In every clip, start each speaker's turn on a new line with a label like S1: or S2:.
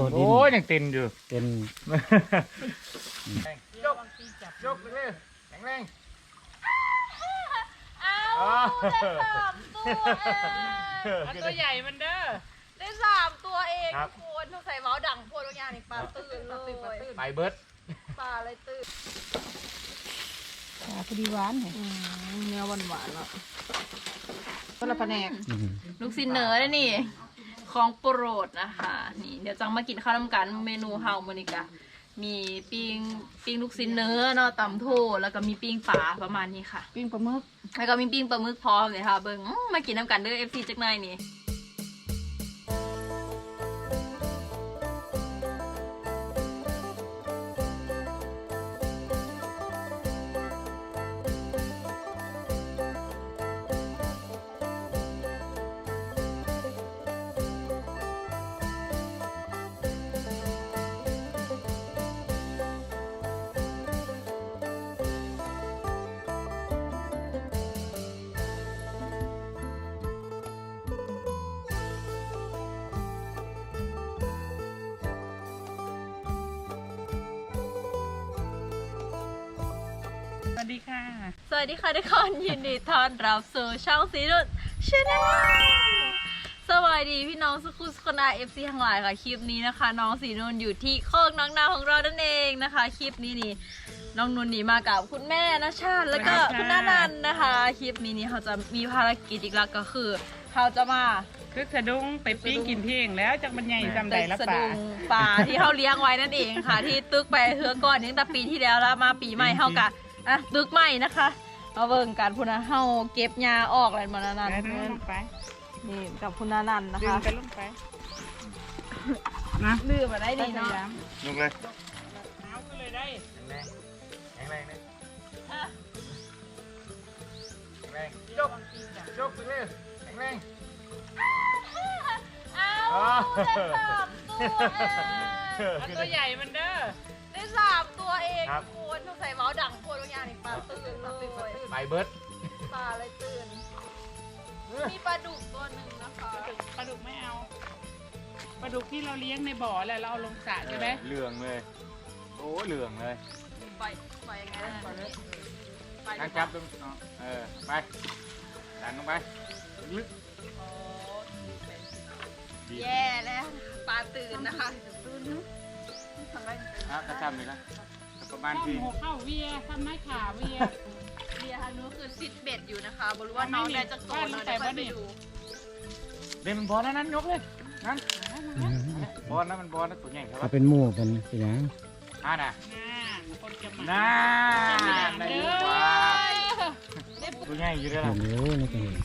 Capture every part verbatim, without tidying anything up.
S1: โอ้ยยังเต็นอยู่
S2: เต็น
S1: ยกยกเลยแข็งแรง
S3: เอาได้สามตัวเองตัวใหญ่มันเด้อได้สามตัวเองทุกคนต้องใส่เมาส์ดังพวกทุกอย่างนี่ปลาตื่นเลย
S1: ไปเบิร์ด
S3: ปลาอะไรตื่น
S4: ปลาพอดีหวานเนี่ย
S3: เนื้อหวานหวานแล้ว
S4: ต้นละแผนก
S3: ลูกซินเนอร์ได้นี่ของโปรดนะคะนี่เดี๋ยวจังมากินข้าวน้ำกันเมนูเฮาโมนิกามีปิ้งปิ้งลูกซินเนื้อเนาะตำโถแล้วก็มีปิ้งปลาประมาณนี้ค่ะ
S4: ปิ้งปลาหมึก
S3: แล้วก็มีปิ้งปลาหมึกพร้อมเลยค่ะเบิ้งมากินน้ำกันเด้อเอฟซีจักหน่อยนี่
S4: สวัสดีค่ะ
S3: สวัสดีค่ะทุกคนยินดีต้อนรับสู่ช่องสีนุ่นชาแนลสวัสดีพี่น้องสุขุสคนอาเอฟซีทั้งหลายค่ะคลิปนี้นะคะน้องสีนุ่นอยู่ที่โคกน้องนาของเรานั่นเองนะคะคลิปนี้นี่น้องนุ่นนี่มากับคุณแม่นะชาติแล้วก็คุณน้านันนะคะคลิปนี้นี่เขาจะมีภารกิจอีกแล้วก็คือเขาจะมา
S4: คือสะดุ้งไปปิ้งกินเพียงแล้วจากบรรยายจำได้ละป่า
S3: ป่าที่เขาเลี้ยงไว้นั่นเองค่ะที่ตึกไปเฮือก่อนตั้งแต่ปีที่แล้วแล้วมาปีใหม่เขากะอ่ะตึกใหม่นะคะมาเบิ่งกันพุนาเฮาเก็บยาออกอะไรมานานันนี่กับพุนานันนะคะ
S4: ไปลงไปนะ
S3: ลืมมาได้ดีเนาะ
S1: ลงเลย
S4: เอาก็เลยได้
S1: แรงแข็งแรงเลยแข็งแรงยกยกไปเลยแข็งแรง
S3: เอาได้สามตัว
S4: ตัวใหญ่มันเด้อ
S3: ได้สามตัวเองทุกคนต้องใส่เมาส์ดังพวกทุกอย่างนี่ปลาตื่นเลย
S1: ไปเบิร์ด
S3: ปลาอะไรตื่นมีปลาดุกตัวหนึ่งนะคะ
S4: ปลาดุกไม่เอาปลาดุกที่เราเลี้ยงในบ่อแล้วเราเอาลงสระใช่ไหม
S1: เหลืองเลยโอ้เหลืองเลย
S3: ไปไปยังไงไปเลย
S1: นั่งจับดูเออไปดันลงไปลึก
S3: แย่แล้วปลาตื่นนะคะ
S1: อ่ะกระชับเลยนะประมาณที
S4: หัวเข้าเวียทำไม้ขาเวีย
S3: เวียฮันนู้คือซิดเบ็ดอยู่นะคะบรู้ว่าน้องได้จะโตแล้วเดี๋ยวไปดู
S1: เดี๋ยวมันบอลนั้นยกเลยนั่นบอลนั้นมันบอลนั้นตัวใหญ่ครับ
S2: เป็นหมู่กันเป็นยัง
S1: อ่าน่ะ
S4: น่า
S1: ได้ดีกว่าตัวใหญ่อยู่ด้วยล่ะ
S2: เห็นรู้นี่ก็เห็น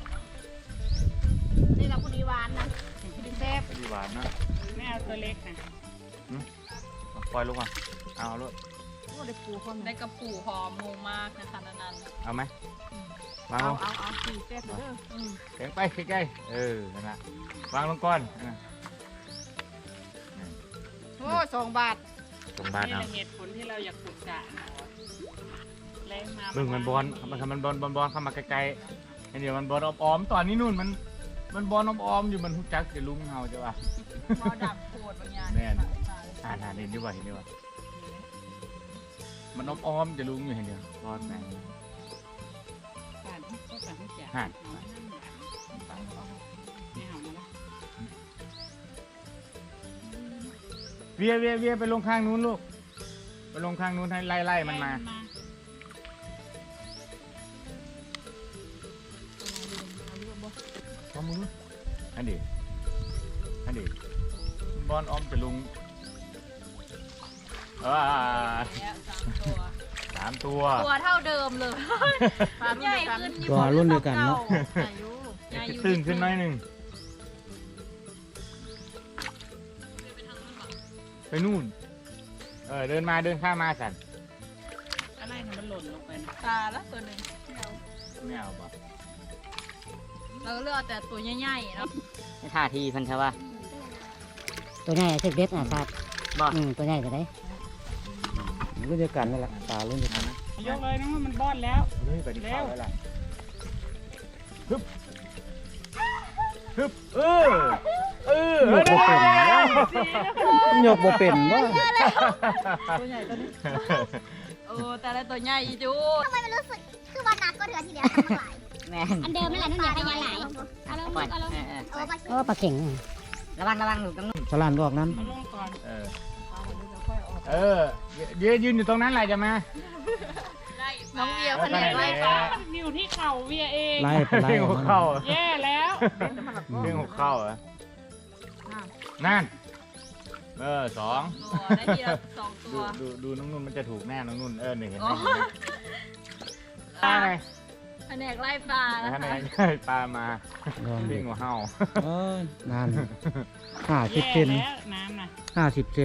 S3: นี่เราคนดีหวานนะคนดีแซ่บ
S1: คนดีหวานนะ
S4: ไม่เอาตัวเล็กนะ
S1: ปล่อยลูกอ่ะเอาลูก
S3: ได้ปูพร้อมได้กระปูหอมมูมากนะคะนัน
S1: เอาไหมวางลง
S3: เอาเอาสี่แซ่บเด้อ
S1: แข็งไปใกล้ๆเออนั่นแหละวางลงก่อน
S4: โอ้สองบาท
S1: สองบาทเอา
S4: เหตุผลที่เราอยากปลูกจ่าแรงมา
S1: มึงมันบอลมันทำมันบอลบอลบอลเข้ามาไกลๆเดี๋ยวมันบอลอ้อมๆตอนนี้นู่นมันมันบอลอ้อมๆอยู่มันหุบจักจะลุ้งเฮาจะว่า
S3: บอลดับโคตรบางอย่าง
S1: แน่นอ่านอ่านเห็นดีกว่าเห็นดีกว่ามันอ้อมๆจะลุ้งอยู่เห็นเดียวบอลแมง
S4: ผ่านก็ผ่านที่จ่า
S1: ผ่านเวียเวียเวียไปลงข้างนู้นลูกไปลงข้างนู้นให้ไล่ไล่มันมาทำมืออันนี้อันนี้บอลอ้อมจะลุงอ่าสามตัว
S3: ตัวเท่าเดิมเลยใหญ่ขึ้น
S2: ตัวรุ่นเดียวกันเนาะ
S1: ตึงขึ้นน้อยหนึ่งไปนู่นเออเดินมาเดินข้ามมาสัน
S4: อะไรมันหล่นลงไป
S3: ตาแล้วตัวหนึ่ง
S1: ไม่เอาป่ะ
S3: เราเลือกแต่ตัวใหญ่ๆเนาะ
S2: ท่าทีพันธะตัวใหญ่เซ็กเด็ดอ่ะครับบ่อืมตัวใหญ่ก็ได้รุ่นเดียวกันนั่นแหละตารุ่นเดียวกันนะ
S4: ยกเลยน้องมันบอลแล้ว
S1: เลยไปดิเข้าแล้วล่ะฮึบฮึบเออเออเฮ้ย
S2: ยกบ่เป็นบ่
S3: ตัวใหญ่ตัวนี้โอ้แต่ละตัวใหญ่อีจู
S5: ทำไมมันรู้สึกคือวันนักก็เดือนที่แล้วทำมาหลาย
S2: แม่
S5: อันเดิมนั่นแหละนั่นแหละขยันหลายเอาลงเอาลงเออปลา
S2: ก็ปลาเข่งระวังระวังหนูกำลังสลานบอกนั้น
S4: เอาลงก่อน
S1: เออเออยืนยืนอยู่ตรงนั้นแหละจะมา
S3: น้องเบียร์แผนกไล่ป
S4: ป
S3: ลา
S4: ลานิ้วที่เข่าเวียเอง
S2: ไล่ไปไล่
S1: เรื่องหัวเข้า
S4: แย่แล้ว
S1: เรื่องหัวเข้าเหรอนั่นเออสอง
S3: ตัวได้ทีละสองตั
S1: ดู
S3: ว
S1: ดูดูน้องนุ่นมันจะถูกแน่น้องนุ่นเออหนึ่งเห็นไหม
S3: อ๋อ
S1: ปลาไง
S3: แผนกไล่ปลานะ
S1: ท่าน
S3: คะ
S1: ไหนปลามา
S2: ลอง
S1: เรื่
S2: ดิ
S1: องหัวเห่า
S2: เอ้ยนานห้าสิบ
S4: แย่
S2: เซน
S4: แล้วน้ำน่ะ
S2: ห้าสิบเซน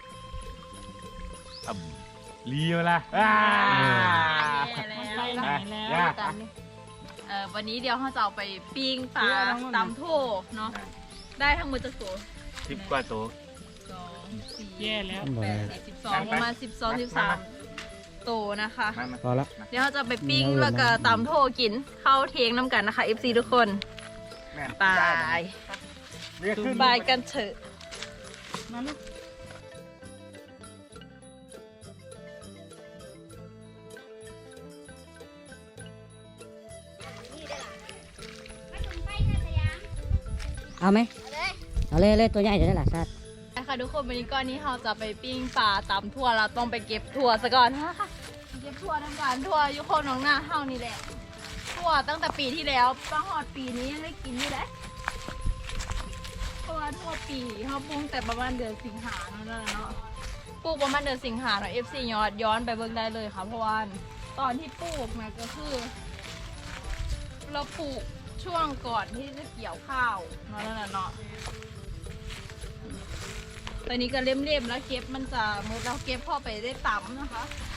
S1: อ่ำลีมาละอ่า
S3: แย่แล้
S4: ไป
S3: ว
S4: ไหนแล้ว
S1: ย่า
S3: เอ่อวันนี้เดี๋ยวเราจะเอาไปปิ้งปลาตำโถเนาะได้ทั้งหมดจะโถ
S1: สิบกว่าตัว
S3: สองสี่
S4: แย่แล้ว
S3: แปดสี่สิบสองประมาณสิบสองสิบสามโตนะคะ
S1: มามา
S2: พอละ
S3: เดี๋ยวเราจะไปปิ้ง
S2: มีอะไร
S3: แล้วก็ตำโถกินเข้าเทงน้ำกันนะคะ เอฟ ซี ทุกคน
S1: แม่
S3: ไป
S1: เรียกขึ้น
S3: ไปกันเถอะ
S4: มาลูก
S2: เอาไหม
S5: เลย
S2: เอาเลยเลยตัวใหญ่จะได้หลักสัตว์
S3: นะคะทุกคนวันนี้ก้อนนี้เราจะไปปิ้งปลาตำทั่วเราต้องไปเก็บถั่วซะก่อนนะคะเก็บถั่วทำการถั่วอยุคนน้องหน้าเฮานี่แหละถั่วตั้งแต่ปีที่แล้วป้าหอดปีนี้ยังได้กินอยู่เลยเพราะว่าทั่วปีเขาปลูกแต่ประมาณเดือนสิงหาเนาะเนาะปลูกประมาณเดือนสิงหาเนาะเอฟซีย้อนย้อนไปเบิ่งได้เลยค่ะเพราะว่าตอนที่ปลูกนะก็คือ เราปลูกช่วงก่อนที่จะเกี่ยวข้าวเนาะนั่นแหละเนาะ ตอนนี้ก็เล่มๆแล้วเก็บมันจะมือเราเก็บพ่อไปได้ต่ำนะคะ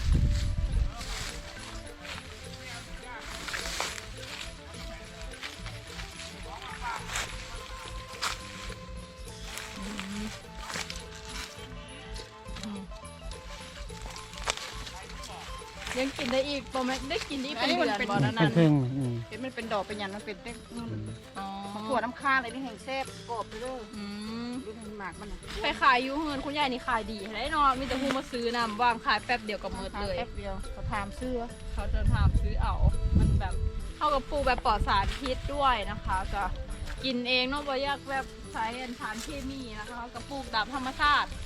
S3: ยังกินได้อีกประมาณได้กินได้อีกเป็นเดือนบอลนั้น
S2: เป็นครึ่งอืม
S6: เห็นมันเป็นดอกเป็นหยันมันเป็นเต็ม
S3: อ๋อ
S6: ถั่วน้ำข้างอะไรนี่แห่งแซ่บกรอบไปเลย
S3: อืม
S6: ดูมันหมากมันน่ะ
S3: ไปขายอยูเงินคุณยายนี่ขายดีได้เนอนมีแต่ผู้มาซื้อนำวางขายแป๊บเดียวก็หมดเลย
S6: แป๊บเดียวเขาถามซื้อ
S3: เขาจะถามซื้อเอา มันแบบเข้ากับปลูกแบบปลอดสารพิษด้วยนะคะก็กินเองเนาะบ่อยากแบบใช้สารเคมีนะคะกับปลูกตามธรรมชาติ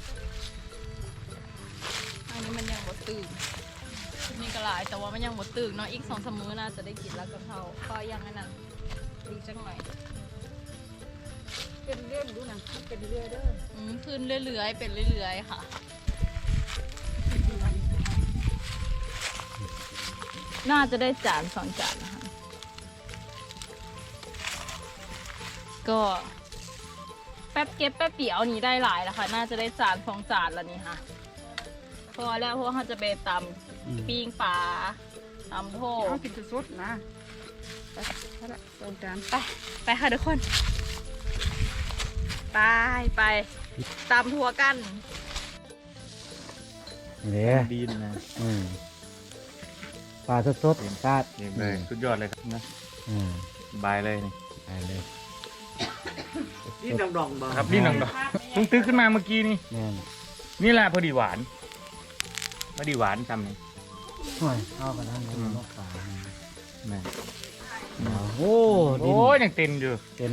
S3: อันนี้มันยังบดตื่นนี่ก็หลายแต่ว่ามันยังบดตื่นเนาะอีกสองสามมื้อน่าจะได้กินแล้วกับเขาก็ยังอันนั้นดูจังหน่อย
S6: เป็นเรื่องดูนะมันเป็นเรื่องเด้อ
S3: อืมขึ้นเรื่อยๆเป็นเรื่อยๆค่ะ น่าจะได้จานสองจานนะคะก็แป๊บเก็บแป๊บเปียวนี้ได้หลายแล้วค่ะ น่าจะได้จานสองจานแล้วนี่ค่ะพอแล้วเพราะว่าเขาจะไปตำปิ้งปลาตำโถ
S6: เอากินสดๆนะไปเอาละสองจาน
S3: ไปไปค่ะทุกคน ไปไปตำทัวกัน
S2: เนี่ย
S1: ดีนะ
S2: อืมปลาสดๆซาด
S1: เยี่ยมเลยสุดยอดเลยครับนะ
S2: อืม
S1: บายเลยนี่
S2: ไปเลย
S7: นี่ดองดองๆบ่
S1: ครับนี่น้องดอกเพิ่งตื้อขึ้นมาเมื่อกี้นี่
S2: แม่น
S1: นี่แหละพอดีหวานพอดีหวานจำนี่
S2: โอ้ยเอากันนั่นเลยนกปลา
S1: แม่
S2: โอ้ดิน
S1: โอ้ยยังเต็มอยู่
S2: เป็น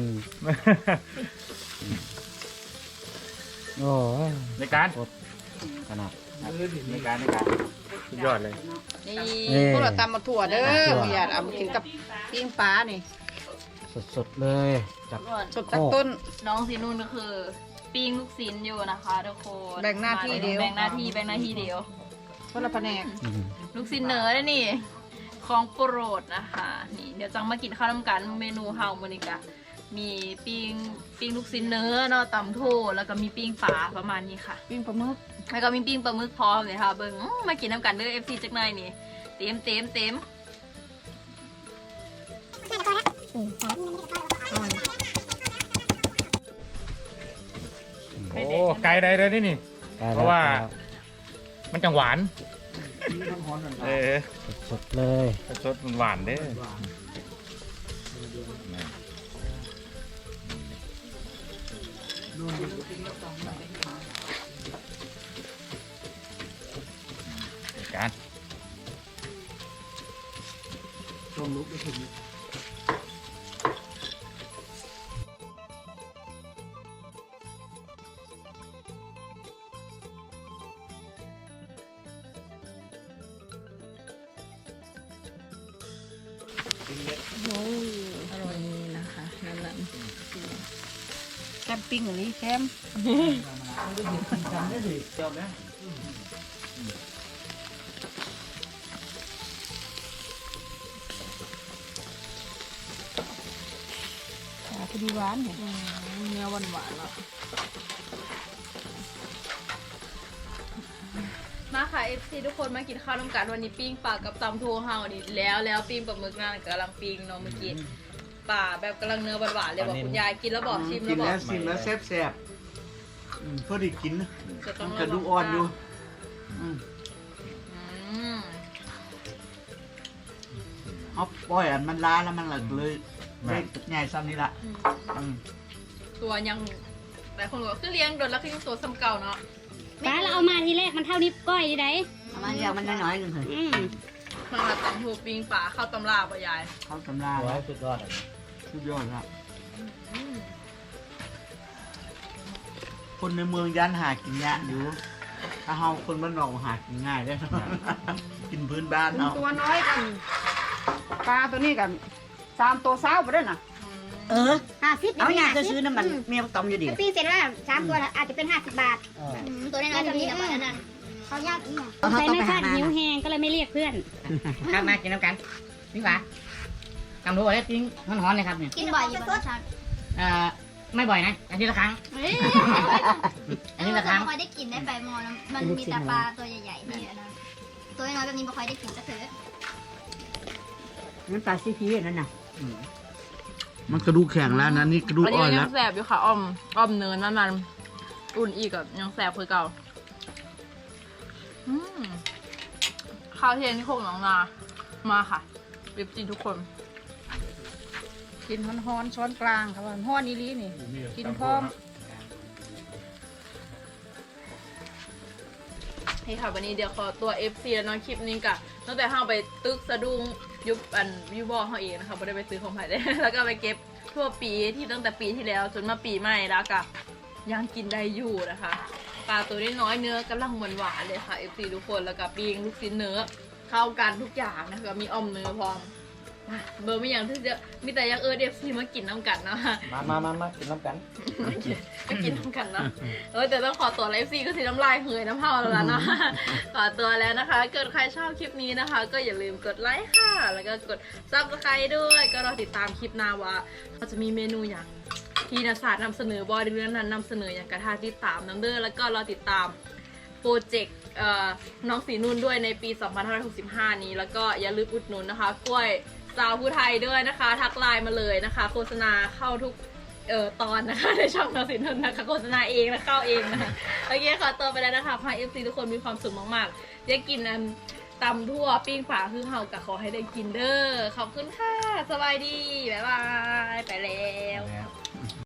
S2: โอ้ย
S1: ในการ
S2: ขนาด
S1: ในการในการสุดยอดเลย
S6: นี่
S2: นี่
S6: พวกเราตำมาถั่วเด้อ
S2: ตำถั่ว
S6: เมียเอามากินกับปิ้งปลานี่
S2: สดๆเลยจาก
S6: สดจากต้น
S3: น้องสีนุ่นก็คือปิ้งลูกศิลอยู่นะคะทุกคน
S6: แบ่งหน้าที่เดียว
S3: แบ่งหน้าที่แบ่งหน้าที่เดียว
S6: คนละแผนก
S2: อืม
S3: ลูกศิลเนอร์นี่ของโปรดนะคะนี่เดี๋ยวจังมากินข้าวน้ำกันเมนูเฮาโมนิกะมีปิ้งปิ้งลูกศิลเนื้อเนาะตำโถแล้วก็มีปิ้งปลาประมาณนี้ค่ะ
S6: ปิ้งปลาหมึก
S3: แล้วก็มีปิ้งปลาหมึกพร้อมเลยค่ะเบิ้งอื้อมากินน้ำกันเด้อเอฟซีจักหน่อยนี่เต็มเต็มเต็ม
S1: โอ้ไกลใดเลยนี่นี่
S2: ได้แล้ว
S1: เพราะว่า มันจังหวาน เออ
S2: สดๆเลย
S1: สดมันหวานเด้อการ
S7: ลงลุกไปถึง
S6: โอ้ยอร่อยนะคะนั่นแหละ
S2: แคมปิ้งอย่างนี้แคม
S7: จบแล้ว
S6: พอดีหวานเนี่ย
S3: เนื้อหวานหวานๆแล้วมาค่ะ เอฟ ซี ทุกคนมากินข้าวน้ำกันวันนี้ปิ้งปลากับตำทูเฮานี่แล้วแล้วปิ้งปลาหมึกนั่นกำลังปิ้งเนาะเมื่อกี้ปลาแบบกำลังเนื้อหวานๆเลยบอกคุณยายกินแล้วบอกชิม
S7: กิ
S3: แล้ว
S7: น
S3: บอก
S7: แล้วชิมแล้วแซ่บๆอืมพอดีกินนะ
S3: จะต้อง
S7: กระดูกอ่อนอยู่อืม
S3: อืม
S7: เอาปล่อยอันมันล้าแล้วมันเลยเลยได้ใหญ่ซ้ำนี่ละอืม
S3: ตัวยังหลายคนบอกว่าคือเลี้ยงโดนแล้วคือยังตัวซ้ำเก่าเนาะ
S5: ป้าเราเอามาทีแรกมันเท่านิ้วก้อยดีได
S2: เอามาอย่างมันน้อยๆหนึ่งเถอะ
S5: อืม
S3: เพิ่งมาตำทูปิ้งปลาเข้าวตำราป่ะยาย
S7: เข้าตำรา
S2: ร้อ
S7: แล้
S2: ยว สุดยอด
S7: สุดยอดครับ
S3: อืม
S7: คนในเมืองยันหากินยากอยู่ ถ้าเฮาคนบ้านนอกหากินง่ายได้ กินพื้นบ้านเนาะ
S6: ตัวน้อยกันปลาตัวนี้กันสามตัวเศร้าไปด้วยนะ
S2: เออ
S5: ห้าสิบ
S2: เอาอย่างจะซื้อน้ำมันเมียตอมอยู่ดิ
S5: ปีเสร็จแล้วสามตัวอาจจะเป็นห้าสิบบาทตัวน้อยๆแบบนี้นั่นเขายากอีกใส่ไม่คาดหิวแหงก็เลยไม่เรียกเพื่อน
S2: ครับมากินน้ำกันนี่หว่าทำรู้อะไรจริงร้อนๆเลยครับเนี่ย
S5: กินบ่อยอยู่บ้านฉัน
S2: เอ่อไม่บ่อยนะอาทิตย์ละครั้ง
S5: อันนี้เราไม่ค่อยได้กินได้ใบมอมันมีแต่ปลาตัวใหญ่ๆนี่นะตัวน้อยแบบนี้ไม่ค่อยได้กินก็เถอะ
S2: มันปลาซีพีนั่นน่ะ
S7: มันกระดูกแข็งแล้วนะนี่กระดูก
S3: อันนี้
S7: อ่อน
S3: ยั
S7: แล้
S3: ง
S7: ว
S3: แสบอยู่ค่ะอ้อมอ้อมเนินนั่นมันอุ่นอีกอะยังแสบคือเก่าอืมข้าวเทียนที่โคกหนองนา มาค่ะเว็บจีนทุกคน
S6: กินฮ้อนๆช้อนกลางค่ะว่าฮ้อนอีหลีนี่กินพร้อม
S3: นี่ค่ะวันนี้เดี๋ยวขอตัว เอฟ ซี แล้วเนาะคลิปนี้กะตั้งแต่ห้าไปตึกสะดุ้งยุบอันยูบอเขาเองนะคะไม่ได้ไปซื้อของใครได้ แล้วก็ไปเก็บทั่วปีที่ตั้งแต่ปีที่แล้วจนมาปีใหม่แล้วก็ยังกินได้อยู่นะคะปลาตัวน้อยๆเนื้อกำลังหวานๆเลยค่ะ เอฟ ซี ทุกคนแล้วก็ปิ้งลูกชิ้นเนื้อเข้ากันทุกอย่างนะคะมีอ้อมเนื้อพร้อมเบอร์ไม่อย่างที่จะมีแต่อยังเออเอฟซีมากินน้ำกันเนาะ
S2: มามามามากินน้ำกัน
S3: ก็กินน้ำกันเนาะเออแต่ต้องขอตัวไลฟ์ซีก็สีน้ำลายเฮยน้ำเผาแล้วล่ะเนาะ ขอตัวแล้วนะคะ เกิดใครชอบคลิปนี้นะคะ ก็อย่าลืมกดไลค์ค่ะ แล้วก็กดซับสไครต์ด้วย ก็รอติดตามคลิปหน้าว่าเราจะมีเมนูอย่างที่นาศาสตร์นำเสนอบอดี้เรื่องนั้นนำเสนออย่างกระทาติดตามน้ำเด้อแล้วก็รอติดตามโปรเจกต์น้องสีนุ่นด้วยในปี สองพันห้าร้อยหกสิบห้า นี้ แล้วก็อย่าลืมอุดหนุนนะคะกล้วยสาวผู้ไทยด้วยนะคะ ทักไลน์มาเลยนะคะ โฆษณาเข้าทุกเอ่อตอนนะคะในช่องน้องสีนุ่นนะคะโฆษณาเองนะเข้าเองนะโอเคขอตัวไปแล้วนะคะพาเอฟซีทุกคนมีความสุขมากๆได้กินอันตำทั่วปิ้งฝาคือเฮากะขอให้ได้กินเด้อขอบคุณค่ะสบายดีบ๊ายบายไปแล้ว